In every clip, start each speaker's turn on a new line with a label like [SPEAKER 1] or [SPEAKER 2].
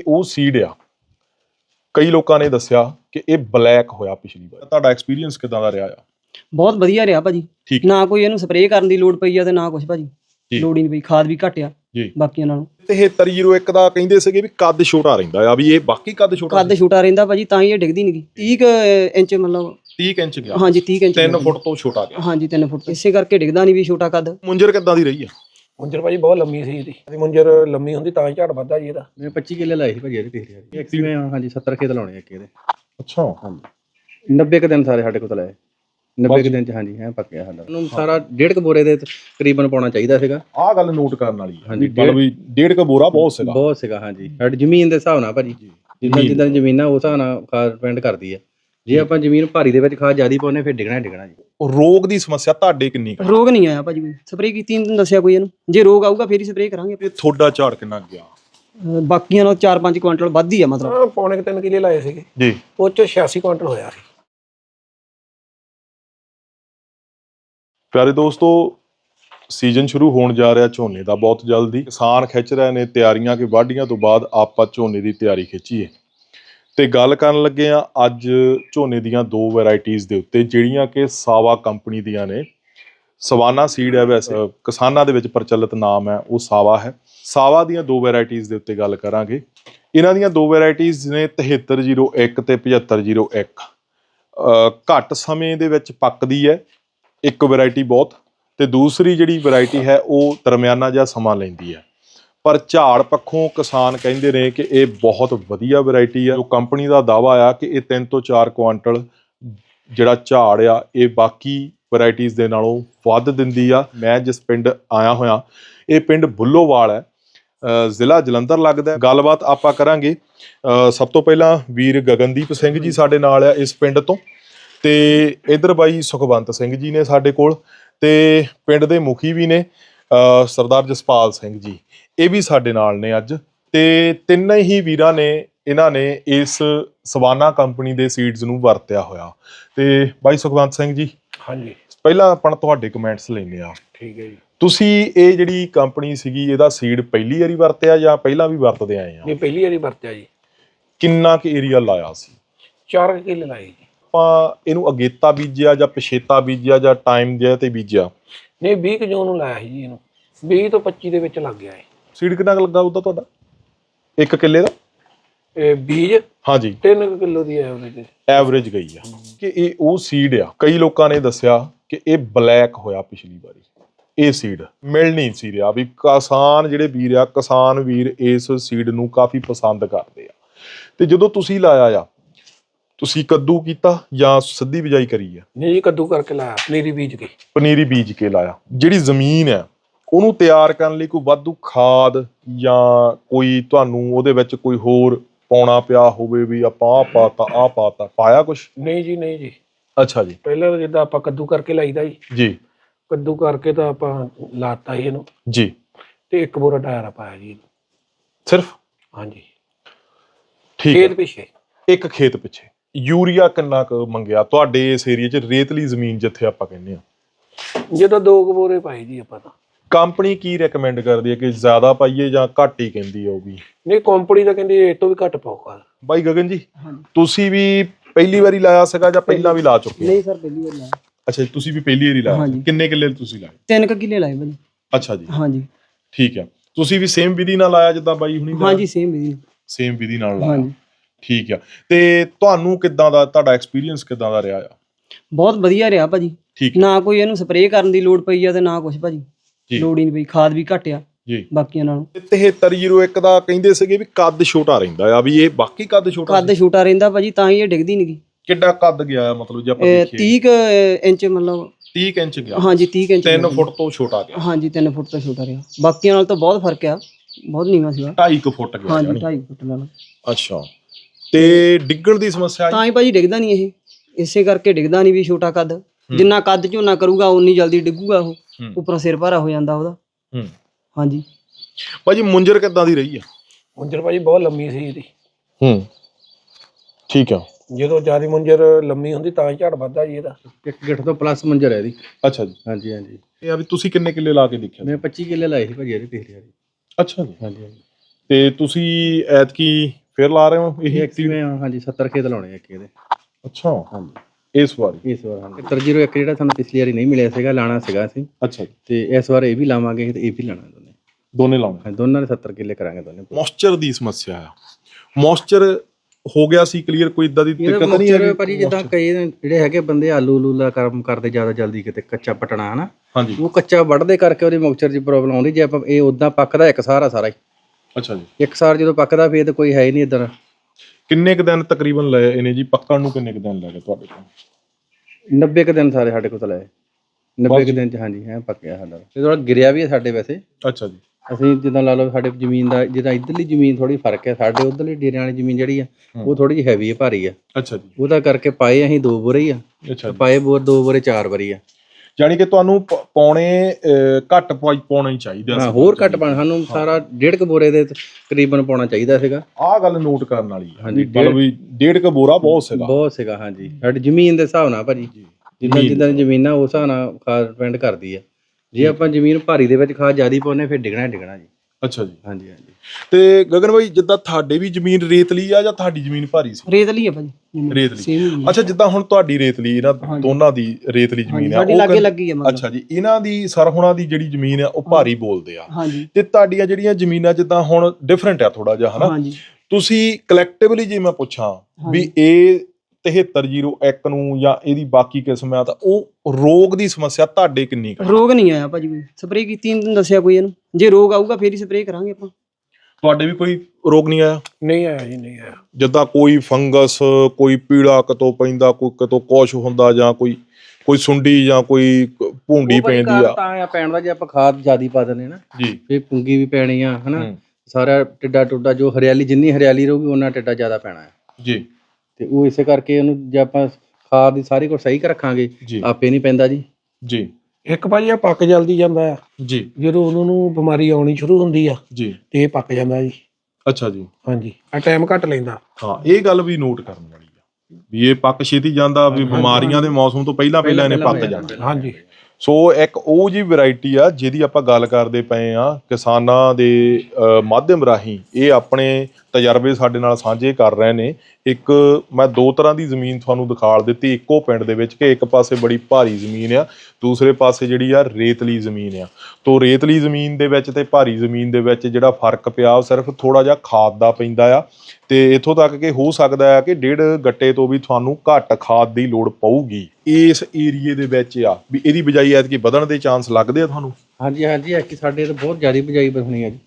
[SPEAKER 1] ਉਹ ਸੀਡ ਆ। ਕਈ ਲੋਕਾਂ ਨੇ ਦੱਸਿਆ ਕਿ ਇਹ ਬਲੈਕ ਹੋਇਆ ਪਿਛਲੀ ਵਾਰ। ਤੁਹਾਡਾ ਐਕਸਪੀਰੀਅੰਸ ਕਿਦਾਂ ਦਾ ਰਿਹਾ ਆ?
[SPEAKER 2] ਬਹੁਤ ਵਧੀਆ ਰਿਹਾ ਭਾਜੀ। ਨਾ ਕੋਈ ਇਹਨੂੰ ਸਪਰੇਅ ਕਰਨ ਦੀ ਲੋੜ ਪਈ ਆ ਤੇ ਨਾ ਕੁਝ ਭਾਜੀ, ਲੋੜ ਹੀ ਨਹੀਂ ਪਈ। ਖਾਦ ਵੀ ਘੱਟ ਆ ਬਾਕੀਆਂ ਨਾਲੋਂ।
[SPEAKER 1] 7301 ਦਾ ਕਹਿੰਦੇ ਸੀਗੇ ਵੀ ਕੱਦ ਛੋਟਾ ਰਹਿੰਦਾ ਆ, ਵੀ ਇਹ ਬਾਕੀ ਕੱਦ ਛੋਟਾ
[SPEAKER 2] ਰਹਿੰਦਾ ਭਾਜੀ, ਤਾਂ ਹੀ ਇਹ ਡਿੱਗਦੀ ਨਹੀਂ। 30 ਇੰਚ ਮਤਲਬ
[SPEAKER 1] 30 ਇੰਚ ਗਿਆ।
[SPEAKER 2] ਹਾਂਜੀ 30 ਇੰਚ
[SPEAKER 1] 3 ਫੁੱਟ ਤੋਂ ਛੋਟਾ ਗਿਆ।
[SPEAKER 2] ਹਾਂਜੀ 3 ਫੁੱਟ, ਇਸੇ ਕਰਕੇ ਡਿੱਗਦਾ ਨਹੀਂ ਵੀ ਛੋਟਾ ਕੱਦ।
[SPEAKER 1] ਮੁੰਜਰ ਕਿੱਦਾਂ ਦੀ ਰਹੀ ਆ?
[SPEAKER 3] ਮੁੰਜਰ ਭਾਜੀ ਬਹੁਤ ਲੰਮੀ ਸੀ ਇਹਦੀ। ਮੁੰਜਰ ਲੰਮੀ ਹੁੰਦੀ ਤਾਂ ਹੀ ਝਾੜ ਵੱਧਦਾ ਜੀ ਇਹਦਾ।
[SPEAKER 4] ਮੈਂ 25 ਕਿੱਲੇ ਲਾਏ ਸੀ ਭਾਜੀ ਇਹਦੇ ਪਿਛਲੇ ਵਾਰੀ। ਇੱਕ ਮੈਂ ਹਾਂਜੀ 70 ਖੇਤ ਲਾਉਣੇ ਇੱਕ ਇਹਦੇ।
[SPEAKER 1] ਅੱਛਾ
[SPEAKER 4] ਹਾਂਜੀ 90 ਕੁ ਦਿਨ ਸਾਰੇ ਸਾਡੇ ਕੋਲ ਲਾਏ। 90 ਕੁ ਦਿਨ ਚ ਹਾਂਜੀ ਐ ਪੱਕਿਆ ਸਾਡਾ। ਉਹਨੂੰ ਸਾਰਾ 1.5 ਬੋਰੇ ਦੇ ਤਕਰੀਬਨ ਪਾਉਣਾ ਚਾਹੀਦਾ ਸੀਗਾ।
[SPEAKER 1] ਆਹ ਗੱਲ ਨੋਟ ਕਰਨ ਵਾਲੀ ਹੈ। ਹਾਂਜੀ ਮਤਲਬ ਵੀ 1.5 ਬੋਰਾ ਬਹੁਤ ਸੀਗਾ ਹਾਂਜੀ। ਸਾਡੀ ਜ਼ਮੀਨ ਦੇ ਹਿਸਾਬ ਨਾਲ ਭਾਜੀ, ਜਿੱਦਾਂ ਜ਼ਮੀਨਾਂ ਉਸ ਹਿਸਾਬ ਨਾਲ ਖਾਦ ਡਿਪੈਂਡ ਕਰਦੀ ਹੈ। ਜੇ ਆਪਾਂ ਜ਼ਮੀਨ ਭਾਰੀ ਦੇ ਵਿੱਚ ਖਾਦ ਜ਼ਿਆਦਾ ਪਾਉਨੇ ਫਿਰ ਡਿੱਗਣਾ ਜੀ। ਰੋਗ ਦੀ ਸਮੱਸਿਆ ਤੁਹਾਡੇ ਕਿੰਨੀ?
[SPEAKER 2] ਰੋਗ ਨਹੀਂ ਆਇਆ ਭਾਜੀ, ਸਪਰੇਅ ਕੀਤੀ ਨਹੀਂ ਦੱਸਿਆ ਕੋਈ ਇਹਨੂੰ। ਜੇ ਰੋਗ ਆਊਗਾ ਫੇਰ ਹੀ ਸਪਰੇਅ ਕਰਾਂਗੇ।
[SPEAKER 1] ਇਹ ਤੁਹਾਡਾ ਝਾੜ ਕਿੰਨਾ ਗਿਆ?
[SPEAKER 2] ਬਾਕੀਆਂ ਨਾਲੋਂ 4-5 ਕੁਇੰਟਲ ਵੱਧ ਹੀ ਆ ਮਤਲਬ।
[SPEAKER 3] ਪੌਣੇ 3 ਕਿੱਲੇ ਲਾਏ ਸੀਗੇ
[SPEAKER 1] ਜੀ,
[SPEAKER 3] ਉਹ ਚ 86 ਕੁਇੰਟਲ ਹੋਇਆ ਸੀ।
[SPEAKER 1] ਪਿਆਰੇ ਦੋਸਤੋ, ਸੀਜ਼ਨ ਸ਼ੁਰੂ ਹੋਣ ਜਾ ਰਿਹਾ ਝੋਨੇ ਦਾ ਬਹੁਤ ਜਲਦੀ। ਕਿਸਾਨ ਖਿੱਚ ਰਹੇ ਨੇ ਤਿਆਰੀਆਂ ਕਿ ਵਾਢੀਆਂ ਤੋਂ ਬਾਅਦ ਆਪਾਂ ਝੋਨੇ ਦੀ ਤਿਆਰੀ ਖਿੱਚੀਏ। ਤੇ ਗੱਲ ਕਰਨ ਲੱਗੇ ਆ ਅੱਜ ਝੋਨੇ ਦੀਆਂ 2 ਵੈਰਾਈਟੀਜ਼ ਦੇ ਉੱਤੇ, ਜਿਹੜੀਆਂ ਕਿ ਸਾਵਾ ਕੰਪਨੀ ਦੀਆਂ ਨੇ। ਸਵਾਨਾ ਸੀਡ ਹੈ, ਵੈਸੇ ਕਿਸਾਨਾਂ ਦੇ ਵਿੱਚ ਪ੍ਰਚਲਿਤ ਨਾਮ ਹੈ ਉਹ ਸਾਵਾ ਹੈ। ਸਾਵਾ ਦੀਆਂ 2 ਵੈਰਾਈਟੀਜ਼ ਦੇ ਉੱਤੇ ਗੱਲ ਕਰਾਂਗੇ। ਇਹਨਾਂ ਦੀਆਂ 2 ਵੈਰਾਈਟੀਜ਼ ਨੇ 7301 ਤੇ 7501। ਘੱਟ ਸਮੇਂ ਦੇ ਵਿੱਚ ਪੱਕਦੀ ਹੈ ਇੱਕ ਵੈਰਾਈਟੀ ਬਹੁਤ, ਤੇ ਦੂਸਰੀ ਜਿਹੜੀ ਵੈਰਾਈਟੀ ਹੈ ਉਹ ਦਰਮਿਆਨਾ ਜਿਹਾ ਸਮਾਂ ਲੈਂਦੀ ਹੈ। ਪਰ ਝਾੜ ਪੱਖੋਂ ਕਿਸਾਨ ਕਹਿੰਦੇ ਨੇ ਕਿ ਇਹ ਬਹੁਤ ਵਧੀਆ ਵੈਰਾਈਟੀ ਆ। ਜੋ ਕੰਪਨੀ ਦਾ ਦਾਵਾ ਆ ਕਿ ਇਹ 3 ਤੋਂ 4 ਕੁਆਂਟਲ ਜਿਹੜਾ ਝਾੜ ਆ ਇਹ ਬਾਕੀ ਵੈਰਾਈਟੀਜ਼ ਦੇ ਨਾਲੋਂ ਵੱਧ ਦਿੰਦੀ ਆ। ਮੈਂ ਜਿਸ ਪਿੰਡ ਆਇਆ ਹੋਇਆ, ਇਹ ਪਿੰਡ ਬੁੱਲੋਵਾਲ ਹੈ, ਜ਼ਿਲ੍ਹਾ ਜਲੰਧਰ ਲੱਗਦਾ। ਗੱਲਬਾਤ ਆਪਾਂ ਕਰਾਂਗੇ। ਸਭ ਤੋਂ ਪਹਿਲਾਂ ਵੀਰ ਗਗਨਦੀਪ ਸਿੰਘ ਜੀ ਸਾਡੇ ਨਾਲ ਆ ਇਸ ਪਿੰਡ ਤੋਂ, ਤੇ ਇਧਰ ਬਾਈ ਸੁਖਵੰਤ ਸਿੰਘ ਜੀ ਨੇ ਸਾਡੇ ਕੋਲ, ਤੇ ਪਿੰਡ ਦੇ ਮੁਖੀ ਵੀ ਨੇ ਸਰਦਾਰ ਜਸਪਾਲ ਸਿੰਘ ਜੀ, ਇਹ ਵੀ ਸਾਡੇ ਨਾਲ ਨੇ ਅੱਜ। ਤੇ ਤਿੰਨੇ ਹੀ ਵੀਰਾਂ ਨੇ ਇਹਨਾਂ ਨੇ ਇਸ ਸਵਾਨਾ ਕੰਪਨੀ ਦੇ ਸੀਡਸ ਨੂੰ ਵਰਤਿਆ ਹੋਇਆ। ਤੇ ਬਾਈ ਸੁਖਵੰਤ ਸਿੰਘ ਜੀ,
[SPEAKER 3] ਹਾਂਜੀ,
[SPEAKER 1] ਪਹਿਲਾਂ ਆਪਾਂ ਤੁਹਾਡੇ ਕਮੈਂਟਸ ਲੈਂਦੇ ਆ।
[SPEAKER 3] ਠੀਕ ਹੈ ਜੀ।
[SPEAKER 1] ਤੁਸੀਂ ਇਹ ਜਿਹੜੀ ਕੰਪਨੀ ਸੀਗੀ ਇਹਦਾ ਸੀਡ ਪਹਿਲੀ ਵਾਰੀ ਵਰਤਿਆ ਜਾਂ ਪਹਿਲਾਂ ਵੀ ਵਰਤਦੇ ਆਏ ਆ?
[SPEAKER 3] ਨਹੀਂ, ਪਹਿਲੀ ਵਾਰੀ ਵਰਤਿਆ ਜੀ।
[SPEAKER 1] ਕਿੰਨਾ ਕੁ ਏਰੀਆ ਲਾਇਆ ਸੀ?
[SPEAKER 3] 4 ਕਿੱਲੇ ਲਾਏ ਜੀ।
[SPEAKER 1] ਆਪਾਂ ਇਹਨੂੰ ਅਗੇਤਾ ਬੀਜਿਆ ਜਾਂ ਪਛੇਤਾ ਬੀਜਿਆ ਜਾਂ ਟਾਈਮ ਜਿਹਾ ਤੇ ਬੀਜਿਆ?
[SPEAKER 3] ਨਹੀਂ, 20 ਜੂਨ ਨੂੰ ਲਾਇਆ ਸੀ ਜੀ ਇਹਨੂੰ। 20 ਤੋਂ 25 ਦੇ ਵਿੱਚ ਲੱਗ ਗਿਆ ਇਹ।
[SPEAKER 1] ਸੀਡ ਕਿੰਨਾ ਕੁ ਲੱਗਾ ਉਹਦਾ ਤੁਹਾਡਾ 1 ਕਿੱਲੇ ਦਾ?
[SPEAKER 3] ਇਹ ਬੀਜ
[SPEAKER 1] ਹਾਂਜੀ
[SPEAKER 3] 3 ਕਿਲੋ ਦੀ
[SPEAKER 1] ਐਵਰੇਜ ਗਈ ਆ ਕਿ ਇਹ ਉਹ ਸੀਡ ਆ। ਕਈ ਲੋਕਾਂ ਨੇ ਦੱਸਿਆ ਕਿ ਇਹ ਬਲੈਕ ਹੋਇਆ ਪਿਛਲੀ ਵਾਰੀ। ਇਹ ਸੀਡ ਮਿਲ ਨਹੀਂ ਸੀ ਰਿਹਾ, ਵੀ ਕਿਸਾਨ ਜਿਹੜੇ ਵੀਰ ਆ, ਕਿਸਾਨ ਵੀਰ ਇਸ ਸੀਡ ਨੂੰ ਕਾਫੀ ਪਸੰਦ ਕਰਦੇ ਆ। ਤੇ ਜਦੋਂ ਤੁਸੀਂ ਲਾਇਆ ਆ, ਤੁਸੀਂ ਕੱਦੂ ਕੀਤਾ ਜਾਂ ਸਿੱਧੀ ਬਿਜਾਈ ਕਰੀ ਆ?
[SPEAKER 3] ਨਹੀਂ ਜੀ, ਕੱਦੂ ਕਰਕੇ ਲਾਇਆ, ਪਨੀਰੀ ਬੀਜ ਕੇ।
[SPEAKER 1] ਪਨੀਰੀ ਬੀਜ ਕੇ ਲਾਇਆ। ਜਿਹੜੀ ਜ਼ਮੀਨ ਹੈ ਉਹਨੂੰ ਤਿਆਰ ਕਰਨ ਲਈ ਕੋਈ ਵਾਧੂ ਖਾਦ ਜਾਂ ਕੋਈ ਤੁਹਾਨੂੰ ਉਹਦੇ ਵਿੱਚ ਕੋਈ ਹੋਰ ਪਾਉਣਾ ਪਿਆ ਹੋਵੇ, ਵੀ ਆਪਾਂ ਆਹ ਪਾਤਾ ਪਾਇਆ ਕੁਛ?
[SPEAKER 3] ਨਹੀਂ ਜੀ, ਨਹੀਂ ਜੀ।
[SPEAKER 1] ਅੱਛਾ ਜੀ।
[SPEAKER 3] ਪਹਿਲਾਂ ਤਾਂ ਜਿੱਦਾਂ ਆਪਾਂ ਕੱਦੂ ਕਰਕੇ ਲਾਈਦਾ
[SPEAKER 1] ਜੀ,
[SPEAKER 3] ਕੱਦੂ ਕਰਕੇ ਤਾਂ ਆਪਾਂ ਲਾਤਾ ਸੀ ਇਹਨੂੰ
[SPEAKER 1] ਜੀ,
[SPEAKER 3] ਤੇ 1 ਬੋਰਾ ਟਾਇਰ ਪਾਇਆ ਜੀ
[SPEAKER 1] ਸਿਰਫ?
[SPEAKER 3] ਹਾਂਜੀ,
[SPEAKER 1] ਠੀਕ।
[SPEAKER 3] ਖੇਤ ਪਿੱਛੇ,
[SPEAKER 1] ਇੱਕ ਖੇਤ ਪਿੱਛੇ। ਯੂਰੀਆ ਕਿੰਨਾ ਕੁ ਮੰਗਿਆ ਤੁਹਾਡੇ ਇਸ ਏਰੀਏ 'ਚ, ਰੇਤਲੀ ਜ਼ਮੀਨ ਜਿੱਥੇ ਆਪਾਂ ਕਹਿੰਦੇ ਆ?
[SPEAKER 3] ਜਦੋਂ 2 ਬੋਰੇ ਪਾਏ ਜੀ ਆਪਾਂ ਤਾਂ।
[SPEAKER 1] ਕੰਪਨੀ ਕੀ ਰეკਮੈਂਡ ਕਰਦੀ ਹੈ ਕਿ ਜ਼ਿਆਦਾ ਪਾਈਏ ਜਾਂ ਘੱਟ ਹੀ ਕਹਿੰਦੀ ਹੈ ਉਹ ਵੀ?
[SPEAKER 3] ਨਹੀਂ, ਕੰਪਨੀ ਤਾਂ ਕਹਿੰਦੀ ਇਹ ਤੋਂ ਵੀ ਘੱਟ ਪਾਊਗਾ।
[SPEAKER 1] ਬਾਈ ਗਗਨ ਜੀ, ਤੁਸੀਂ ਵੀ ਪਹਿਲੀ ਵਾਰੀ ਲਾਇਆ ਸੀਗਾ ਜਾਂ ਪਹਿਲਾਂ ਵੀ ਲਾ ਚੁੱਕੇ?
[SPEAKER 2] ਨਹੀਂ ਸਰ, ਪਹਿਲੀ ਵਾਰ ਲਾਇਆ।
[SPEAKER 1] ਅੱਛਾ, ਤੁਸੀਂ ਵੀ ਪਹਿਲੀ ਵਾਰੀ ਲਾਇਆ। ਕਿੰਨੇ ਕਿੱਲੇ ਤੁਸੀਂ ਲਾਏ?
[SPEAKER 2] 3 ਕਿੱਲੇ ਲਾਏ ਭਾਜੀ।
[SPEAKER 1] ਅੱਛਾ ਜੀ,
[SPEAKER 2] ਹਾਂਜੀ,
[SPEAKER 1] ਠੀਕ ਹੈ। ਤੁਸੀਂ ਵੀ ਸੇਮ ਵਿਧੀ ਨਾਲ ਲਾਇਆ ਜਿੱਦਾਂ ਬਾਈ ਹੁਣੀ?
[SPEAKER 2] ਹਾਂਜੀ, ਸੇਮ
[SPEAKER 1] ਵਿਧੀ ਨਾਲ ਲਾਇਆ। ਠੀਕ ਆ। ਤੇ ਤੁਹਾਨੂੰ ਕਿੱਦਾਂ ਦਾ, ਤੁਹਾਡਾ ਐਕਸਪੀਰੀਅੰਸ ਕਿੱਦਾਂ ਦਾ ਰਿਹਾ ਆ?
[SPEAKER 2] ਬਹੁਤ ਵਧੀਆ ਰਿਹਾ ਭਾਜੀ।
[SPEAKER 1] ਠੀਕ,
[SPEAKER 2] ਨਾ ਕੋਈ ਇਹਨੂੰ ਸਪਰੇਅ ਕਰਨ ਦੀ ਲੋੜ ਪਈ ਆ ਤੇ ਨਾ ਕੁਝ ਭਾਜੀ, ਲੋੜ ਹੀ ਨਹੀਂ ਪਈ। ਖਾਦ ਵੀ ਘੱਟ ਆ
[SPEAKER 1] ਜੀ
[SPEAKER 2] ਬਾਕੀਆਂ ਨਾਲੋਂ।
[SPEAKER 1] 7301 ਦਾ ਕਹਿੰਦੇ ਸੀਗੇ ਵੀ ਕੱਦ ਛੋਟਾ ਰਹਿੰਦਾ ਆ, ਵੀ ਇਹ ਬਾਕੀ ਕੱਦ ਛੋਟਾ
[SPEAKER 2] ਰਹਿੰਦਾ ਭਾਜੀ, ਤਾਂ ਹੀ ਇਹ ਡਿੱਗਦੀ ਨਹੀਂ।
[SPEAKER 1] ਕਿੱਡਾ ਕੱਦ ਗਿਆ ਮਤਲਬ ਜੇ ਆਪਾਂ ਦੇਖੀਏ?
[SPEAKER 2] 30 ਇੰਚ ਮਤਲਬ
[SPEAKER 1] 30 ਇੰਚ ਗਿਆ।
[SPEAKER 2] ਹਾਂਜੀ 30 ਇੰਚ।
[SPEAKER 1] 3 ਫੁੱਟ ਤੋਂ ਛੋਟਾ ਗਿਆ।
[SPEAKER 2] ਹਾਂਜੀ 3 ਫੁੱਟ ਤੋਂ ਛੋਟਾ ਰਿਹਾ। ਬਾਕੀਆਂ ਨਾਲ ਤਾਂ ਬਹੁਤ ਫਰਕ ਆ, ਬਹੁਤ ਨੀਵਾਂ ਸੀਗਾ।
[SPEAKER 1] 2.5 ਫੁੱਟ ਗਿਆ।
[SPEAKER 2] ਹਾਂਜੀ 2.5 ਫੁੱਟ ਨਾਲ।
[SPEAKER 1] ਅੱਛਾ, ਤੇ ਡਿੱਗਣ ਦੀ ਸਮੱਸਿਆ?
[SPEAKER 2] ਤਾਂ ਹੀ ਭਾਜੀ ਡਿੱਗਦਾ ਨਹੀਂ ਇਹ, ਇਸੇ ਕਰਕੇ ਡਿੱਗਦਾ ਨਹੀਂ ਵੀ ਛੋਟਾ ਕੱਦ। ਜਿੰਨਾ ਕੱਦ ਝੋਨਾ ਕਰੂਗਾ ਉਨੀ ਜਲਦੀ ਡਿੱਗੂਗਾ ਉਹ, ਉੱਪਰੋਂ ਸਿਰ ਭਾਰਾ ਹੋ ਜਾਂਦਾ ਉਹਦਾ। ਹਾਂਜੀ
[SPEAKER 1] ਭਾਜੀ, ਮੁੰਜਰ ਕਿੱਦਾਂ ਦੀ ਰਹੀ ਆ?
[SPEAKER 3] ਮੁੰਜਰ ਭਾਜੀ ਬਹੁਤ ਲੰਮੀ ਸੀ ਇਹਦੀ।
[SPEAKER 1] ਠੀਕ ਆ।
[SPEAKER 3] ਜਦੋਂ ਜ਼ਿਆਦਾ ਮੁੰਜਰ ਲੰਮੀ ਹੁੰਦੀ ਤਾਂ ਹੀ ਝਾੜ ਵੱਧਦਾ ਜੀ ਇਹਦਾ।
[SPEAKER 4] 1 ਗਿੱਠ ਤੋਂ ਪਲੱਸ ਮੁੰਜਰ ਹੈ ਇਹਦੀ।
[SPEAKER 1] ਅੱਛਾ ਜੀ।
[SPEAKER 4] ਹਾਂਜੀ ਹਾਂਜੀ।
[SPEAKER 1] ਇਹ ਆ ਵੀ ਤੁਸੀਂ ਕਿੰਨੇ ਕਿੱਲੇ ਲਾ ਕੇ ਦੇਖਿਆ?
[SPEAKER 4] ਮੈਂ 25 ਕਿੱਲੇ ਲਾਏ ਸੀ ਭਾਜੀ ਇਹਦੇ ਪਿਛਲੇ ਵਾਰੀ।
[SPEAKER 1] ਅੱਛਾ ਜੀ।
[SPEAKER 4] ਹਾਂਜੀ ਹਾਂਜੀ।
[SPEAKER 1] ਤੇ ਤੁਸੀਂ ਐਤਕੀ ਫੇਰ ਲਾ ਰਹੇ ਹੋ ਇਹ
[SPEAKER 4] ਐਕਟਿਵੇ ਹਾਂਜੀ 70 ਖੇਤ ਲਾਉਣੇ ਆ ਇੱਕ ਇਹਦੇ।
[SPEAKER 1] ਅੱਛਾ
[SPEAKER 4] ਹਾਂਜੀ
[SPEAKER 1] ਇਸ ਵਾਰੀ
[SPEAKER 4] ਇਸ ਵਾਰ ਹਾਂਜੀ 7001 ਜਿਹੜਾ ਸਾਨੂੰ ਪਿਛਲੀ ਵਾਰੀ ਨਹੀਂ ਮਿਲਿਆ ਸੀਗਾ ਲਾਣਾ ਸੀਗਾ ਅਸੀਂ,
[SPEAKER 1] ਅੱਛਾ ਜੀ
[SPEAKER 4] ਤੇ ਇਸ ਵਾਰ ਇਹ ਵੀ ਲਾਵਾਂਗੇ ਤੇ ਇਹ ਵੀ ਲਾਣਾ ਦੋਨੇ।
[SPEAKER 1] ਦੋਨੇ ਲਾਉਣੇ।
[SPEAKER 4] ਹਾਂਜੀ ਦੋਨਾਂ ਦੇ 70 ਕਿੱਲੇ ਕਰਾਂਗੇ ਦੋਨੇ।
[SPEAKER 1] ਮੋਇਸਚਰ ਦੀ ਸਮੱਸਿਆ ਆ, ਮੋਇਸਚਰ ਹੋ ਗਿਆ ਸੀ ਕਲੀਅਰ, ਕੋਈ ਇਦਾਂ ਦੀ ਦਿੱਕਤ ਨਹੀਂ
[SPEAKER 4] ਹੈ ਭਾਜੀ? ਜਿੱਦਾਂ ਕਈ ਜਿਹੜੇ ਹੈਗੇ ਬੰਦੇ ਆਲੂ ਦਾ ਕੰਮ ਕਰਦੇ ਜ਼ਿਆਦਾ ਜਲਦੀ, ਕਿਤੇ ਕੱਚਾ ਪਟਣਾ ਹਨਾ,
[SPEAKER 1] ਹਾਂਜੀ
[SPEAKER 4] ਉਹ ਕੱਚਾ ਵੱਢਦੇ ਕਰਕੇ ਉਹਦੀ ਮੋਇਸਚਰ ਦੀ ਪ੍ਰੋਬਲਮ ਆਉਂਦੀ। ਜੇ ਆਪਾਂ ਇਹ ਉਦਾਂ ਪੱਕਦਾ ਇੱਕ ਸਾਰ ਆ ਸਾਰਾ ਹੀ।
[SPEAKER 1] ਅੱਛਾ ਜੀ
[SPEAKER 4] ਇੱਕ ਸਾਰ ਜਦੋਂ ਪੱਕਦਾ ਫੇਰ ਤਾਂ ਕੋਈ ਹੈ ਹੀ ਨਹੀਂ ਇੱਧਰ।
[SPEAKER 1] ਕਿੰਨੇ ਕ ਦਿਨ ਤਕਰੀਬਨ ਲਏ ਇਹਨੇ ਜੀ ਪੱਕਣ ਨੂੰ, ਕਿੰਨੇ ਕ ਦਿਨ ਲੱਗੇ ਤੁਹਾਡੇ ਕੋਲ?
[SPEAKER 4] 90 ਕੁ ਦਿਨ ਸਾਰੇ ਸਾਡੇ ਕੋਲ ਤਾਂ ਲਏ। 90 ਕੁ ਦਿਨ ਚ ਹਾਂਜੀ ਹੈ ਪੱਕਿਆ ਸਾਡਾ। ਤੇ ਥੋੜਾ ਗਿਰਿਆ ਵੀ ਹੈ ਸਾਡੇ ਵੈਸੇ।
[SPEAKER 1] ਅੱਛਾ ਜੀ
[SPEAKER 4] ਅਸੀਂ ਜਿੱਦਾਂ ਲਾ ਲਓ ਸਾਡੇ ਜ਼ਮੀਨ ਦਾ ਜਿੱਦਾਂ ਇੱਧਰਲੀ ਜ਼ਮੀਨ ਥੋੜੀ ਫਰਕ ਹੈ, ਸਾਡੇ ਉੱਧਰਲੀ ਡੇਰਿਆਂ ਵਾਲੀ ਜ਼ਮੀਨ ਜਿਹੜੀ ਆ ਉਹ ਥੋੜੀ ਜਿਹੀ ਹੈਵੀ ਹੈ, ਭਾਰੀ ਆ।
[SPEAKER 1] ਅੱਛਾ ਜੀ
[SPEAKER 4] ਉਹਦਾ ਕਰਕੇ ਪਾਏ ਅਸੀਂ 2 ਬੋਰੇ ਹੀ ਆ,
[SPEAKER 1] ਅੱਛਾ ਜੀ।
[SPEAKER 4] ਪਾਏ 2 ਬੋਰੇ 4 ਵਾਰੀ ਆ।
[SPEAKER 1] ਯਾਨੀ ਕਿ ਤੁਹਾਨੂੰ ਪੌਣੇ ਘੱਟ ਪਾਉਣਾ ਹੀ ਚਾਹੀਦਾ ਸੀ।
[SPEAKER 4] ਹੋਰ ਘੱਟ ਪਾਣਾ ਸਾਨੂੰ ਸਾਰਾ 1.5 ਕੁ ਬੋਰੇ ਦੇ ਤਕਰੀਬਨ ਪਾਉਣਾ ਚਾਹੀਦਾ ਸੀਗਾ।
[SPEAKER 1] ਆਹ ਗੱਲ ਨੋਟ ਕਰਨ ਵਾਲੀ ਹੈ ਵੀ ਮਤਲਬ ਵੀ 1.5 ਕ ਬੋਰਾ ਬਹੁਤ ਸੀਗਾ
[SPEAKER 4] ਹਾਂਜੀ। ਸਾਡੀ ਜ਼ਮੀਨ ਦੇ ਹਿਸਾਬ ਨਾਲ ਭਾਜੀ, ਜਿੱਦਾਂ ਜਿੱਦਾਂ ਦੀ ਜ਼ਮੀਨਾਂ ਉਸ ਹਿਸਾਬ ਨਾਲ ਖਾਦ ਡਿਪੈਂਡ ਕਰਦੀ ਆ। ਜੇ ਆਪਾਂ ਜ਼ਮੀਨ ਭਾਰੀ ਦੇ ਵਿੱਚ ਖਾਦ ਜ਼ਿਆਦਾ ਪਾਉਂਦੇ ਫਿਰ ਡਿੱਗਣਾ ਜੀ।
[SPEAKER 1] ਅੱਛਾ ਜੀ
[SPEAKER 4] ਹਾਂਜੀ ਹਾਂਜੀ।
[SPEAKER 1] ਤੇ ਗਗਨ ਭਾਈ ਜਿੱਦਾਂ ਤੁਹਾਡੇ ਵੀ ਜ਼ਮੀਨ ਰੇਤਲੀ ਆ ਜਾਂ ਤੁਹਾਡੀ ਜ਼ਮੀਨ ਭਾਰੀ ਸੀ?
[SPEAKER 2] ਰੇਤਲੀ ਆ ਭਾਜੀ।
[SPEAKER 1] ਰੇਤਲੀ। ਅੱਛਾ ਜਿੱਦਾਂ ਹੁਣ ਤੁਹਾਡੀ ਰੇਤਲੀ, ਇਹਨਾਂ ਦੋਨਾਂ ਦੀ ਰੇਤਲੀ ਜ਼ਮੀਨ ਆ,
[SPEAKER 2] ਸਾਡੀ ਲਾਗੇ ਲੱਗੀ ਆ ਮਤਲਬ।
[SPEAKER 1] ਅੱਛਾ ਜੀ ਇਹਨਾਂ ਦੀ ਸਰਹੁਣਾ ਦੀ ਜਿਹੜੀ ਜ਼ਮੀਨ ਆ ਉਹ ਭਾਰੀ ਬੋਲਦੇ ਆ,
[SPEAKER 2] ਹਾਂਜੀ
[SPEAKER 1] ਤੇ ਤੁਹਾਡੀਆਂ ਜਿਹੜੀਆਂ ਜ਼ਮੀਨਾਂ ਜਿੱਦਾਂ ਹੁਣ ਡਿਫਰੈਂਟ ਆ ਥੋੜਾ ਜਿਹਾ ਹਨਾ।
[SPEAKER 2] ਹਾਂਜੀ।
[SPEAKER 1] ਤੁਸੀਂ ਕਲੈਕਟਿਵਲੀ ਜੇ ਮੈਂ ਪੁੱਛਾਂ ਵੀ ਇਹ 7301 ਨੂੰ ਜਾਂ ਇਹਦੀ ਬਾਕੀ ਕਿਸਮਾਂ ਤਾਂ ਉਹ ਰੋਗ ਦੀ ਸਮੱਸਿਆ ਤੁਹਾਡੇ ਕਿੰਨੀ ਕੁ?
[SPEAKER 2] ਰੋਗ ਨਹੀਂ ਆਇਆ ਭਾਜੀ, ਕੋਈ ਸਪਰੇਅ ਕੀਤੀ ਨਹੀਂ ਦੱਸਿਆ ਕੋਈ ਇਹਨੂੰ। ਜੇ ਰੋਗ ਆਊਗਾ ਫੇਰ ਹੀ ਸਪਰੇਅ ਕਰਾਂਗੇ ਆਪਾਂ।
[SPEAKER 1] ਤੁਹਾਡੇ ਵੀ ਕੋਈ ਰੋਗ ਨਹੀਂ ਆਇਆ?
[SPEAKER 3] ਨਹੀਂ ਆਇਆ ਜੀ, ਨਹੀਂ ਆਇਆ।
[SPEAKER 1] ਜਿੱਦਾਂ ਕੋਈ ਫੰਗਸ, ਕੋਈ ਪੀੜਾ ਕਿਤੋਂ ਪੈਂਦਾ, ਕੋਈ ਕਿਤੋਂ ਕੁਛ ਹੁੰਦਾ, ਜਾਂ ਕੋਈ ਸੁੰਡੀ ਜਾਂ ਕੋਈ ਭੂੰਡੀ ਪੈਂਦੀ ਆ?
[SPEAKER 4] ਤਾਂ ਆ ਪੈਣ ਦਾ ਜੇ ਆਪਾਂ ਖਾਦ ਜ਼ਿਆਦਾ ਪਾ ਦਿੰਦੇ ਨਾ
[SPEAKER 1] ਜੀ,
[SPEAKER 4] ਫੇਰ ਪੁੰਗੀ ਵੀ ਪੈਣੀ ਆ ਹਨਾ। ਸਾਰਾ ਟਿੱਡਾ ਟੁੱਡਾ ਜੋ ਹਰਿਆਲੀ, ਜਿੰਨੀ ਹਰਿਆਲੀ ਰਹੂਗੀ ਉਹਨਾਂ ਟਿੱਡਾ ਜ਼ਿਆਦਾ ਪੈਣਾ ਹੈ
[SPEAKER 1] ਜੀ।
[SPEAKER 4] ਤੇ ਉਹ ਇਸੇ ਕਰਕੇ ਉਹਨੂੰ ਜੇ ਆਪਾਂ ਖਾਦ ਦੀ ਸਾਰੀ ਕੁਝ ਸਹੀ ਰੱਖਾਂਗੇ ਆਪੇ ਨਹੀਂ ਪੈਂਦਾ ਜੀ।
[SPEAKER 1] ਜੀ
[SPEAKER 3] ਇੱਕ ਭਾਜੀ ਆ ਪੱਕ ਜਲਦੀ ਜਾਂਦਾ ਆ
[SPEAKER 1] ਜੀ,
[SPEAKER 3] ਜਦੋਂ ਉਹਨਾਂ ਨੂੰ ਬਿਮਾਰੀ ਆਉਣੀ ਸ਼ੁਰੂ ਹੁੰਦੀ ਆ
[SPEAKER 1] ਜੀ,
[SPEAKER 3] ਤੇ ਇਹ ਪੱਕ ਜਾਂਦਾ ਜੀ।
[SPEAKER 1] ਅੱਛਾ ਜੀ।
[SPEAKER 3] ਹਾਂਜੀ ਆ ਟਾਈਮ ਘੱਟ ਲੈਂਦਾ।
[SPEAKER 1] ਹਾਂ ਇਹ ਗੱਲ ਵੀ ਨੋਟ ਕਰਨ ਵਾਲੀ ਆ ਵੀ ਇਹ ਪੱਕ ਛੇਤੀ ਜਾਂਦਾ, ਵੀ ਬਿਮਾਰੀਆਂ ਦੇ ਮੌਸਮ ਤੋਂ ਪਹਿਲਾਂ ਇਹਨੇ ਪੱਕ ਜਾਣਾ।
[SPEAKER 3] ਹਾਂਜੀ।
[SPEAKER 1] ਸੋ ਇੱਕ ਉਹ ਜੀ ਵੈਰਾਈਟੀ ਆ ਜਿਹਦੀ ਆਪਾਂ ਗੱਲ ਕਰਦੇ ਪਏ ਆ, ਕਿਸਾਨਾਂ ਦੇ ਮਾਧਿਅਮ ਰਾਹੀਂ ਇਹ ਆਪਣੇ ਤਜਰਬੇ ਸਾਡੇ ਨਾਲ ਸਾਂਝੇ ਕਰ ਰਹੇ ਨੇ। ਇੱਕ ਮੈਂ 2 ਤਰ੍ਹਾਂ ਦੀ ਜ਼ਮੀਨ ਤੁਹਾਨੂੰ ਦਿਖਾ ਦਿੱਤੀ ਇੱਕੋ ਪਿੰਡ ਦੇ ਵਿੱਚ, ਕਿ ਇੱਕ ਪਾਸੇ ਬੜੀ ਭਾਰੀ ਜ਼ਮੀਨ ਆ, ਦੂਸਰੇ ਪਾਸੇ ਜਿਹੜੀ ਆ ਰੇਤਲੀ ਜ਼ਮੀਨ ਆ। ਤੋ ਰੇਤਲੀ ਜ਼ਮੀਨ ਦੇ ਵਿੱਚ ਤੇ ਭਾਰੀ ਜ਼ਮੀਨ ਦੇ ਵਿੱਚ ਜਿਹੜਾ ਫਰਕ ਪਿਆ ਉਹ ਸਿਰਫ ਥੋੜਾ ਜਿਹਾ ਖਾਦ ਦਾ ਪੈਂਦਾ ਆ, ਤੇ ਇੱਥੋਂ ਤੱਕ ਕਿ ਹੋ ਸਕਦਾ ਆ ਕਿ 1.5 ਗੱਟੇ ਤੋਂ ਵੀ ਤੁਹਾਨੂੰ ਘੱਟ ਖਾਦ ਦੀ ਲੋੜ ਪਊਗੀ। ਇਸ ਏਰੀਏ ਦੇ ਵਿੱਚ ਆ ਵੀ ਇਹਦੀ ਬਿਜਾਈ ਐਤਕੀ ਵਧਣ ਦੇ ਚਾਂਸ ਲੱਗਦੇ ਆ ਤੁਹਾਨੂੰ?
[SPEAKER 4] ਹਾਂਜੀ ਹਾਂਜੀ, ਐਤਕੀ ਸਾਡੇ ਤਾਂ ਬਹੁਤ ਜ਼ਿਆਦਾ ਬਿਜਾਈ ਹੋਣੀ ਆ ਜੀ।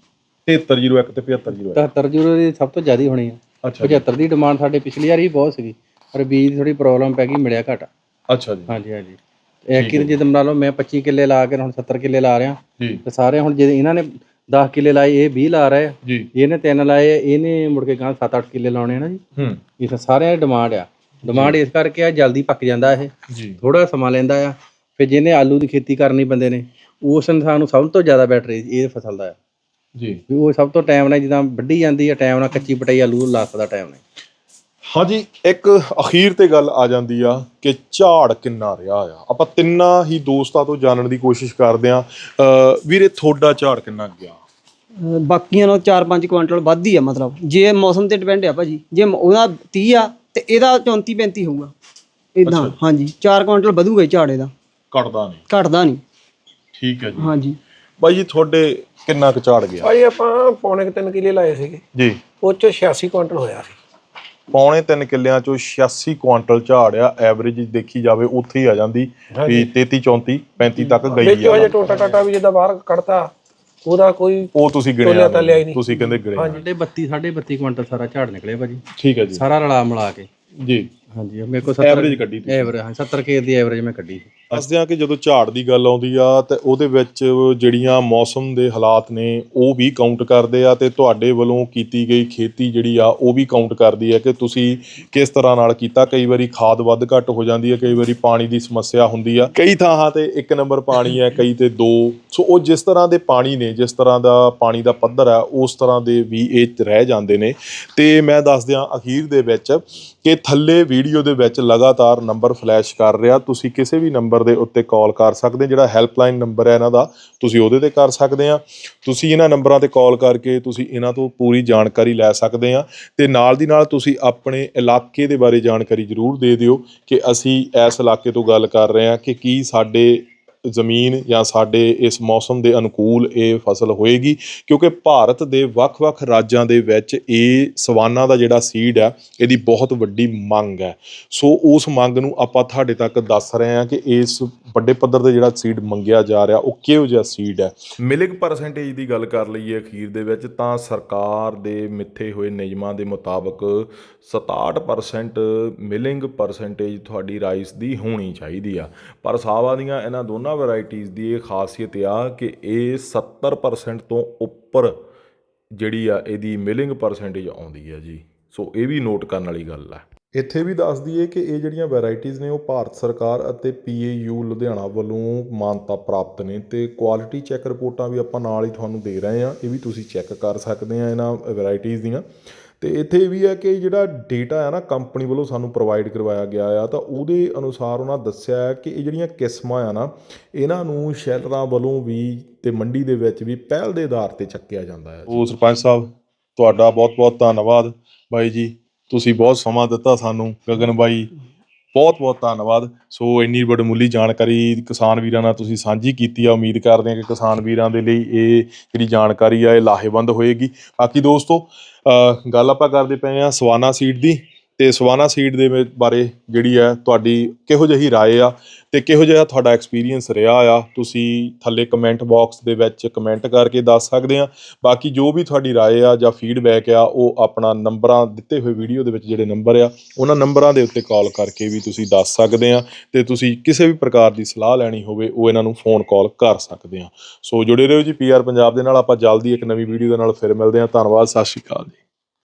[SPEAKER 1] 7301 ਤੇ 7501?
[SPEAKER 4] 73 ਦੀ ਸਭ ਤੋਂ ਜ਼ਿਆਦਾ ਹੋਣੀ ਆ।
[SPEAKER 1] ਅੱਛਾ
[SPEAKER 4] 75 ਦੀ ਡਿਮਾਂਡ ਸਾਡੇ ਪਿਛਲੀ ਵਾਰੀ ਬਹੁਤ ਸੀਗੀ, ਪਰ ਬੀਜ ਦੀ ਥੋੜੀ ਪ੍ਰੋਬਲਮ ਪੈ ਗਈ, ਮਿਲਿਆ ਘੱਟ।
[SPEAKER 1] ਅੱਛਾ ਜੀ।
[SPEAKER 4] ਹਾਂਜੀ ਹਾਂਜੀ। ਐਤਕੀ ਜੇ ਤੁਮ ਲਾ ਲਓ ਮੈਂ 25 ਕਿੱਲੇ ਲਾ ਕੇ ਹੁਣ 70 ਕਿੱਲੇ ਲਾ ਰਿਹਾ
[SPEAKER 1] ਜੀ,
[SPEAKER 4] ਤੇ ਸਾਰੇ ਹੁਣ ਜੇ ਇਹਨਾਂ ਨੇ 10 ਕਿੱਲੇ ਲਾਏ, ਇਹ 20 ਲਾ ਰਹੇ ਆ
[SPEAKER 1] ਜੀ,
[SPEAKER 4] ਇਹਨੇ 3 ਲਾਏ, ਇਹਨੇ ਮੁੜ ਕੇ ਗਾਂ 7-8 ਕਿੱਲੇ ਲਾਉਣੇ ਆ ਨਾ ਜੀ। ਇਹ ਸਾਰਿਆਂ ਦੀ ਡਿਮਾਂਡ ਆ। ਡਿਮਾਂਡ ਇਸ ਕਰਕੇ ਆ ਜਲਦੀ ਪੱਕ ਜਾਂਦਾ ਇਹ,
[SPEAKER 1] ਜੀ,
[SPEAKER 4] ਥੋੜਾ ਸਮਾਂ ਲੈਂਦਾ ਆ। ਫਿਰ ਜਿਹਨੇ ਆਲੂ ਦੀ ਖੇਤੀ ਕਰਨੀ ਬੰਦੇ ਨੇ, ਉਸ ਇਨਸਾਨ ਨੂੰ ਸਭ ਤੋਂ ਜ਼ਿਆਦਾ ਬੈਟਰ ਇਹ ਫਸਲ ਦਾ ਆ
[SPEAKER 1] ਜੀ।
[SPEAKER 4] ਵੀ ਉਹ ਸਭ ਤੋਂ ਟਾਈਮ ਨਾਲ ਜਿੱਦਾਂ ਵੱਢੀ ਜਾਂਦੀ ਆ, ਟਾਈਮ ਨਾਲ ਕੱਚੀ ਪਟਾਈ ਆਲੂ ਲਾ ਸਕਦਾ ਟਾਈਮ ਨਾਲ।
[SPEAKER 1] ਹਾਂਜੀ, ਇੱਕ ਅਖੀਰ ਤੇ ਗੱਲ ਆ ਜਾਂਦੀ ਆ ਕਿ ਝਾੜ ਕਿੰਨਾ ਰਿਹਾ ਆ। ਆਪਾਂ ਤਿੰਨਾਂ ਹੀ ਦੋਸਤਾਂ ਤੋਂ ਜਾਣਨ ਦੀ ਕੋਸ਼ਿਸ਼ ਕਰਦੇ ਆ। ਵੀਰੇ ਤੁਹਾਡਾ ਝਾੜ ਕਿੰਨਾ ਗਿਆ?
[SPEAKER 2] ਬਾਕੀਆਂ ਨਾਲੋਂ 4-5 ਕੁਆਂਟਲ ਵੱਧ ਹੀ ਆ, ਮਤਲਬ ਜੇ ਮੌਸਮ ਤੇ ਡਿਪੈਂਡ ਆ ਭਾਜੀ। ਜੇ ਉਹਦਾ 30 ਆ ਤੇ ਇਹਦਾ 34-35 ਹੋਊਗਾ ਇਦਾਂ। ਹਾਂਜੀ 4 ਕੁਆਂਟਲ ਵਧੂਗਾ ਝਾੜ ਇਹਦਾ, ਘਟਦਾ ਨਹੀਂ। ਠੀਕ ਹੈ ਜੀ। ਹਾਂਜੀ
[SPEAKER 1] ਬਾਈ ਜੀ ਤੁਹਾਡੇ ਕਿੰਨਾ ਕੁ ਝਾੜ ਗਿਆ?
[SPEAKER 3] ਭਾਈ ਆਪਾਂ ਪੌਣੇ 3 ਕਿੱਲੇ ਲਾਏ ਸੀਗੇ
[SPEAKER 1] ਜੀ,
[SPEAKER 3] ਉਹ ਚ 86 ਕੁਇੰਟਲ ਹੋਇਆ ਸੀ।
[SPEAKER 1] ਪੌਣੇ 3 ਕਿੱਲਿਆਂ ਚੋਂ 86 ਕੁਆਂਟਲ ਝਾੜ ਆ। ਐਵਰੇਜ ਦੇਖੀ ਜਾਵੇ ਉੱਥੇ ਹੀ ਆ ਜਾਂਦੀ ਵੀ 33 34 35 ਤੱਕ ਗਈ
[SPEAKER 3] ਵਿੱਚ ਹਜੇ ਟੋਟਾ ਟਾਟਾ ਵੀ ਜਿੱਦਾਂ ਬਾਹਰ ਕੱਢਤਾ, ਉਹਦਾ ਕੋਈ
[SPEAKER 1] ਉਹ ਤੁਸੀਂ ਗਿਣਿਆ ਨਹੀਂ, ਤੁਸੀਂ ਕਹਿੰਦੇ ਗਿਣਿਆ।
[SPEAKER 4] ਸਾਡੇ 32 ਕੁਇੰਟਲ ਸਾਰਾ ਝਾੜ ਨਿਕਲਿਆ ਭਾਜੀ।
[SPEAKER 1] ਠੀਕ ਹੈ ਜੀ,
[SPEAKER 4] ਸਾਰਾ ਰਲਾ ਮਿਲਾ ਕੇ।
[SPEAKER 1] ਜੀ
[SPEAKER 4] ਹਾਂਜੀ ਮੇਰੇ ਕੋਲ 70
[SPEAKER 1] ਐਵਰੇਜ ਕੱਢੀ ਤੁਸੀਂ?
[SPEAKER 4] ਐਵਰੇਜ ਹਾਂ 70 ਖੇਤ ਦੀ ਐਵਰੇਜ ਮੈਂ ਕੱਢੀ।
[SPEAKER 1] ਦੱਸਦੇ ਹਾਂ ਕਿ ਜਦੋਂ ਝਾੜ ਦੀ ਗੱਲ ਆਉਂਦੀ ਆ ਤੇ ਉਹਦੇ ਵਿੱਚ ਜਿਹੜੀਆਂ ਮੌਸਮ ਦੇ ਹਾਲਾਤ ਨੇ ਉਹ ਵੀ ਕਾਊਂਟ ਕਰਦੇ ਆ, ਤੇ ਤੁਹਾਡੇ ਵੱਲੋਂ ਕੀਤੀ ਗਈ ਖੇਤੀ ਜਿਹੜੀ ਆ ਉਹ ਵੀ ਕਾਊਂਟ ਕਰਦੀ ਹੈ ਕਿ ਤੁਸੀਂ ਕਿਸ ਤਰ੍ਹਾਂ ਨਾਲ ਕੀਤਾ। ਕਈ ਵਾਰੀ ਖਾਦ ਵੱਧ ਘੱਟ ਹੋ ਜਾਂਦੀ ਹੈ, ਕਈ ਵਾਰੀ ਪਾਣੀ ਦੀ ਸਮੱਸਿਆ ਹੁੰਦੀ ਆ, ਕਈ ਥਾਵਾਂ ਤੇ 1 ਨੰਬਰ ਪਾਣੀ ਹੈ, ਕਈ ਤੇ 2। ਸੋ ਉਹ ਜਿਸ ਤਰ੍ਹਾਂ ਦੇ ਪਾਣੀ ਨੇ, ਜਿਸ ਤਰ੍ਹਾਂ ਦਾ ਪਾਣੀ ਦਾ ਪੱਧਰ ਆ, ਉਸ ਤਰ੍ਹਾਂ ਦੇ ਵੀ ਇਹ ਰਹਿ ਜਾਂਦੇ ਨੇ। ਤੇ ਮੈਂ ਦੱਸ ਦਿਆਂ ਅਖੀਰ ਦੇ ਵਿੱਚ ਕਿ ਥੱਲੇ ਵੀਡੀਓ ਦੇ ਵਿੱਚ ਲਗਾਤਾਰ ਨੰਬਰ ਫਲੈਸ਼ ਕਰ ਰਿਹਾ, ਤੁਸੀਂ ਕਿਸੇ ਵੀ ਨੰਬਰ ਨੰਬਰ ਦੇ ਉੱਤੇ ਕਾਲ ਕਰ ਸਕਦੇ, ਜਿਹੜਾ ਹੈਲਪਲਾਈਨ ਨੰਬਰ ਹੈ ਇਹਨਾਂ ਦਾ ਤੁਸੀਂ ਉਹਦੇ ਤੇ ਕਰ ਸਕਦੇ ਆ। ਤੁਸੀਂ ਇਹਨਾਂ ਨੰਬਰਾਂ ਤੇ ਕਾਲ ਕਰਕੇ ਤੁਸੀਂ ਇਹਨਾਂ ਤੋਂ ਪੂਰੀ ਜਾਣਕਾਰੀ ਲੈ ਸਕਦੇ ਆ, ਤੇ ਨਾਲ ਦੀ ਨਾਲ ਤੁਸੀਂ ਆਪਣੇ ਇਲਾਕੇ ਦੇ ਬਾਰੇ ਜਾਣਕਾਰੀ ਜ਼ਰੂਰ ਦੇ ਦਿਓ ਕਿ ਅਸੀਂ ਇਸ ਇਲਾਕੇ ਤੋਂ ਗੱਲ ਕਰ ਰਹੇ ਹਾਂ, ਕਿ ਕੀ ਸਾਡੇ ਜ਼ਮੀਨ ਜਾਂ ਸਾਡੇ ਇਸ ਮੌਸਮ ਦੇ ਅਨੁਕੂਲ ਇਹ ਫਸਲ ਹੋਏਗੀ, ਕਿਉਂਕਿ ਭਾਰਤ ਦੇ ਵੱਖ-ਵੱਖ ਰਾਜਾਂ ਦੇ ਵਿੱਚ ਇਹ ਸਵਾਨਾ ਦਾ ਜਿਹੜਾ ਸੀਡ ਹੈ ਇਹਦੀ ਬਹੁਤ ਵੱਡੀ ਮੰਗ ਹੈ। ਸੋ ਉਸ ਮੰਗ ਨੂੰ ਆਪਾਂ ਤੁਹਾਡੇ ਤੱਕ ਦੱਸ ਰਹੇ ਹਾਂ ਕਿ ਇਸ ਵੱਡੇ ਪੱਧਰ ਤੇ ਜਿਹੜਾ ਸੀਡ ਮੰਗਿਆ ਜਾ ਰਿਹਾ ਉਹ ਕਿਹੋ ਜਿਹਾ ਸੀਡ ਹੈ। ਮਿਲਿੰਗ ਪਰਸੈਂਟੇਜ ਦੀ ਗੱਲ ਕਰ ਲਈਏ ਅਖੀਰ ਦੇ ਵਿੱਚ ਤਾਂ ਸਰਕਾਰ ਦੇ ਮਿੱਥੇ ਹੋਏ ਨਿਯਮਾਂ ਦੇ ਮੁਤਾਬਕ 67% ਮਿਲਿੰਗ ਪਰਸੈਂਟੇਜ ਤੁਹਾਡੀ ਰਾਈਸ ਦੀ ਹੋਣੀ ਚਾਹੀਦੀ ਆ, ਪਰ ਸਾਵਾ ਦੀਆਂ ਇਹਨਾਂ ਦੋਨਾਂ ਵੈਰਾਈਟੀਜ਼ ਦੀ ਇਹ ਖਾਸੀਅਤ ਆ ਕਿ ਇਹ 70% ਤੋਂ ਉੱਪਰ ਜਿਹੜੀ ਆ ਇਹਦੀ ਮਿਲਿੰਗ ਪਰਸੈਂਟੇਜ ਆਉਂਦੀ ਹੈ ਜੀ। ਸੋ ਇਹ ਵੀ ਨੋਟ ਕਰਨ ਵਾਲੀ ਗੱਲ ਹੈ। ਇੱਥੇ ਵੀ ਦੱਸ ਦਈਏ ਕਿ ਇਹ ਜਿਹੜੀਆਂ ਵੈਰਾਈਟੀਜ਼ ਨੇ ਉਹ ਭਾਰਤ ਸਰਕਾਰ ਅਤੇ PAU ਲੁਧਿਆਣਾ ਵੱਲੋਂ ਮਾਨਤਾ ਪ੍ਰਾਪਤ ਨੇ, ਤੇ ਕੁਆਲਿਟੀ ਚੈੱਕ ਰਿਪੋਰਟਾਂ ਵੀ ਆਪਾਂ ਨਾਲ ਹੀ ਤੁਹਾਨੂੰ ਦੇ ਰਹੇ ਹਾਂ, ਇਹ ਵੀ ਤੁਸੀਂ ਚੈੱਕ ਕਰ ਸਕਦੇ ਆ ਇਹਨਾਂ ਵੈਰਾਈਟੀਜ਼ ਦੀਆਂ। ਤੇ ਇੱਥੇ ਇਹ ਵੀ ਹੈ ਕਿ ਜਿਹੜਾ ਡੇਟਾ ਹੈ ਨਾ ਕੰਪਨੀ ਵੱਲੋਂ ਸਾਨੂੰ ਪ੍ਰੋਵਾਈਡ ਕਰਵਾਇਆ ਗਿਆ ਆ, ਤਾਂ ਉਹਦੇ ਅਨੁਸਾਰ ਉਹਨਾਂ ਦੱਸਿਆ ਹੈ ਕਿ ਇਹ ਜਿਹੜੀਆਂ ਕਿਸਮਾਂ ਆ ਨਾ ਇਹਨਾਂ ਨੂੰ ਸ਼ੈਲਰਾਂ ਵੱਲੋਂ ਵੀ ਤੇ ਮੰਡੀ ਦੇ ਵਿੱਚ ਵੀ ਪਹਿਲ ਦੇ ਆਧਾਰ ਤੇ ਚੱਕਿਆ ਜਾਂਦਾ ਹੈ। ਉਹ ਸਰਪੰਚ ਸਾਹਿਬ ਤੁਹਾਡਾ ਬਹੁਤ-ਬਹੁਤ ਧੰਨਵਾਦ ਬਾਈ ਜੀ, ਤੁਸੀਂ ਬਹੁਤ ਸਮਾਂ ਦਿੱਤਾ ਸਾਨੂੰ। ਗਗਨ ਬਾਈ ਬਹੁਤ-ਬਹੁਤ ਧੰਨਵਾਦ। ਸੋ ਇੰਨੀ ਵਡਮੁੱਲੀ ਜਾਣਕਾਰੀ ਕਿਸਾਨ ਵੀਰਾਂ ਨਾਲ ਤੁਸੀਂ ਸਾਂਝੀ ਕੀਤੀ ਆ। ਉਮੀਦ ਕਰਦੇ ਹਾਂ ਕਿ ਕਿਸਾਨ ਵੀਰਾਂ ਦੇ ਲਈ ਇਹ ਜਿਹੜੀ ਜਾਣਕਾਰੀ ਆ ਇਹ ਲਾਹੇਵੰਦ ਹੋਏਗੀ। ਬਾਕੀ ਦੋਸਤੋ ਗੱਲ ਆਪਾਂ ਕਰਦੇ ਪਏ ਹਾਂ ਸਵਾਨਾ ਸੀਡ ਦੀ, ਤੇ ਸਵਾਨਾ ਸੀਡ ਦੇ ਬਾਰੇ ਜਿਹੜੀ ਹੈ ਤੁਹਾਡੀ ਕਿਹੋ ਜਿਹੀ ਰਾਏ ਆ ਤੇ ਕਿਹੋ ਜਿਹਾ ਤੁਹਾਡਾ ਐਕਸਪੀਰੀਅੰਸ ਰਿਹਾ ਆ, ਤੁਸੀਂ ਥੱਲੇ ਕਮੈਂਟ ਬਾਕਸ ਦੇ ਵਿੱਚ ਕਮੈਂਟ ਕਰਕੇ ਦੱਸ ਸਕਦੇ ਆ। ਬਾਕੀ ਜੋ ਵੀ ਤੁਹਾਡੀ ਰਾਏ ਆ ਜਾਂ ਫੀਡਬੈਕ ਆ ਉਹ ਆਪਣਾ ਨੰਬਰਾਂ ਦਿੱਤੇ ਹੋਏ ਵੀਡੀਓ ਦੇ ਵਿੱਚ ਜਿਹੜੇ ਨੰਬਰ ਆ ਉਹਨਾਂ ਨੰਬਰਾਂ ਦੇ ਉੱਤੇ ਕਾਲ ਕਰਕੇ ਵੀ ਤੁਸੀਂ ਦੱਸ ਸਕਦੇ ਆ, ਤੇ ਤੁਸੀਂ ਕਿਸੇ ਵੀ ਪ੍ਰਕਾਰ ਦੀ ਸਲਾਹ ਲੈਣੀ ਹੋਵੇ ਉਹ ਇਹਨਾਂ ਨੂੰ ਫੋਨ ਕਾਲ ਕਰ ਸਕਦੇ ਆ। ਸੋ ਜੁੜੇ ਰਹੋ ਜੀ PR ਪੰਜਾਬ ਦੇ ਨਾਲ। ਆਪਾਂ ਜਲਦੀ ਇੱਕ ਨਵੀਂ ਵੀਡੀਓ ਦੇ ਨਾਲ ਫਿਰ ਮਿਲਦੇ ਹਾਂ। ਧੰਨਵਾਦ, ਸਤਿ ਸ਼੍ਰੀ ਅਕਾਲ ਜੀ।